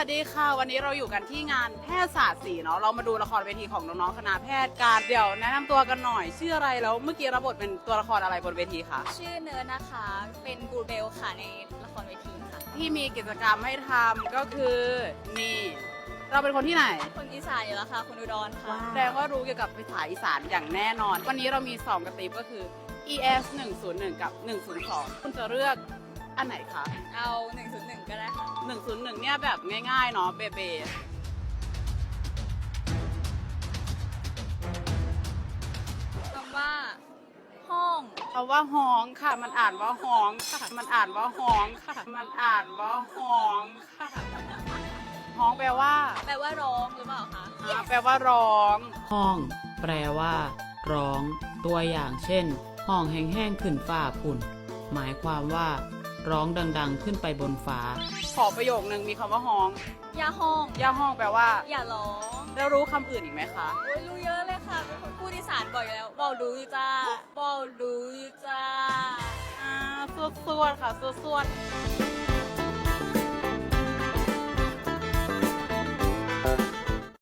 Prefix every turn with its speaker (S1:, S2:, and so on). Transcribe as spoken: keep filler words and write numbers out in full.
S1: วัสดีค่ะวันนี้เราอยู่กันที่งานแพทยศาสตร์สี่เนาะเรามาดูละครเวทีของน้องๆคณะแพทย์การเดี๋ยวแนะนำตัวกันหน่อยชื่ออะไรแล้วเมื่อกี้รับบทเป็นตัวละครอะไรบนเวทีคะ
S2: ชื่อเนิร์ดนะคะ เป็นบูเบลค่ะในละครเวทีค่ะ
S1: ที่มีกิจกรรมให้ทำก็คือนี่เราเป็นคนที่ไหน
S2: คนอีสานอยู่แล้วค่ะคนอุดรค่ะ
S1: แสดงว่ารู้เกี่ยวกับภาษาอีสานอย่างแน่นอน วันนี้เรามีสองกระติบก็คือ อี เอส หนึ่งศูนย์หนึ่ง กับ หนึ่งศูนย์สอง คุณจะเลือกอันไหนคะ
S2: เอาหนึ่งศูนย์หนึ่งก็ได้ค่ะ
S1: หนึ่งศูนย์หนึ่งเนี่ยแบบง่ายๆเนาะเบเบ
S2: คำว่า ห้อง
S1: คำว่าฮ้องค่ะ มันอ่านว่าฮ้องค่ะ มันอ่านว่าฮ้องค่ะ มันอ่านว่าฮ้องค่ะฮ้องแปลว่า
S2: แปลว่าร้องหรือเปล่าคะ
S1: อ่าแปลว่าร้อง
S3: ห้อง แปลว่า ร้อง ตัวอย่างเช่น ห้องแห้งๆขึ้นฟ้าพุ่น หมายความว่า ร้องดังๆขึ้นไปบนฟ้า
S1: ขอประโยคนึงมีคำว่าฮ้อง
S2: อย่าห้อง
S1: ย่าห้องแปลว่า
S2: อย่าร้อง
S1: แล้วรู้คำอื่นอีกไหมคะ
S2: โอ้ยรู้เยอะเลยค่ะ เป็นคนพูดอีสานบ่อยอยู่แล้วบอกรู้อยู่จ้าบอกรู้อยู่จ้า
S1: อ่าสวดๆค่ะสวดๆ